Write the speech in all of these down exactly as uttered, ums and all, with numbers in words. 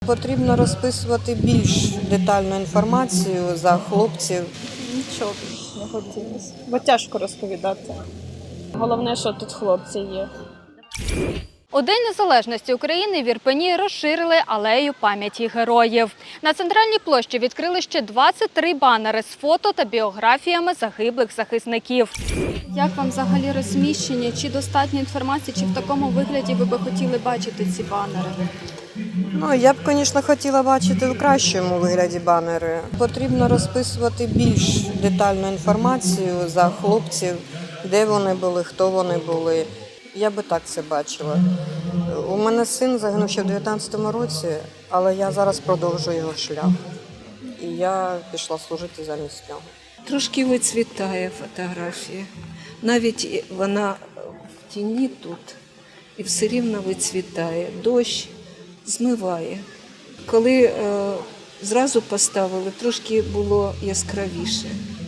Потрібно розписувати більш детальну інформацію за хлопців. Нічого більше не хотілося, бо тяжко розповідати. Головне, що тут хлопці є. У День Незалежності України в Ірпені розширили алею пам'яті героїв. На центральній площі відкрили ще двадцять три банери з фото та біографіями загиблих захисників. Як вам взагалі розміщення? Чи достатньо інформації, чи в такому вигляді ви би хотіли бачити ці банери? Ну, я б, звісно, хотіла бачити в кращому вигляді банери. Потрібно розписувати більш детальну інформацію за хлопців, де вони були, хто вони були. Я би так це бачила. У мене син загинув ще в дев'ятнадцятому році, але я зараз продовжую його шлях. І я пішла служити замість нього. Трошки вицвітає фотографія. Навіть вона в тіні тут і все рівно вицвітає. Дощ змиває. Коли е, зразу поставили, трошки було яскравіше.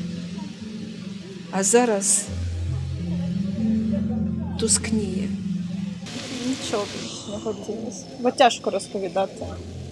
А зараз тускніє. Нічого більше не хотілося, бо тяжко розповідати.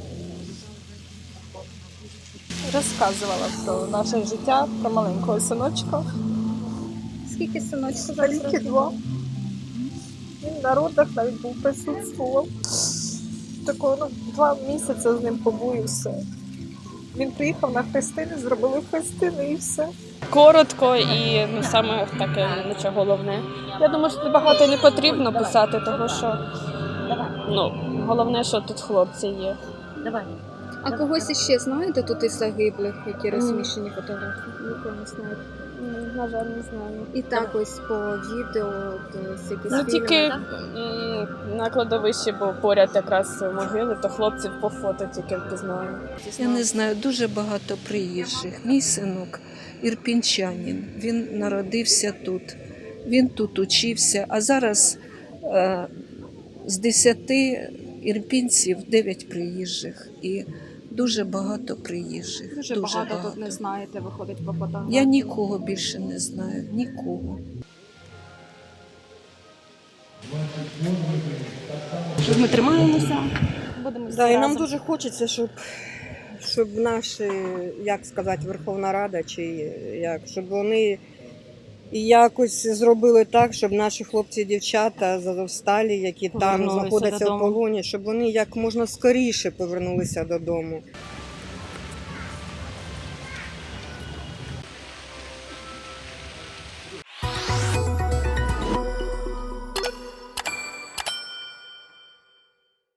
Розказувала про наше життя, про маленького синочка. Скільки синочків? Ріки два. Він на родах навіть був присутствував. Такого, ну, два місяці з ним побув і все. Він приїхав на хрестини, зробили хрестини і все. Коротко і ну, саме таке нічого головне. Я думаю, що багато не потрібно писати, тому що ну, головне, що тут хлопці є. А когось іще знаєте тут із загиблих, які розміщені фотографії? Нікого не знаєте. Ні, на жаль, не знаю. І так ось по відео, з якісь Ну фільми, тільки так? м, на кладовищі, бо поряд якраз могили, то хлопців по фото тільки впізнаю. Я не знаю, дуже багато приїжджих. Мій синок ірпінчанин, він народився тут, він тут учився, а зараз е, з десяти ірпінців дев'ять приїжджих і дуже багато приїжджих. Дуже, багато, тут не знаєте, виходить по фотографії. Я нікого більше не знаю, нікого. Ми тримаємося, будемо всі Да, і нам разом. дуже хочеться, щоб, щоб наші, як сказати, Верховна Рада, чи як, щоб вони якось зробили так, щоб наші хлопці і дівчата з Азовсталі, які там Повернулися знаходяться в додому. полоні, щоб вони як можна скоріше повернулися додому.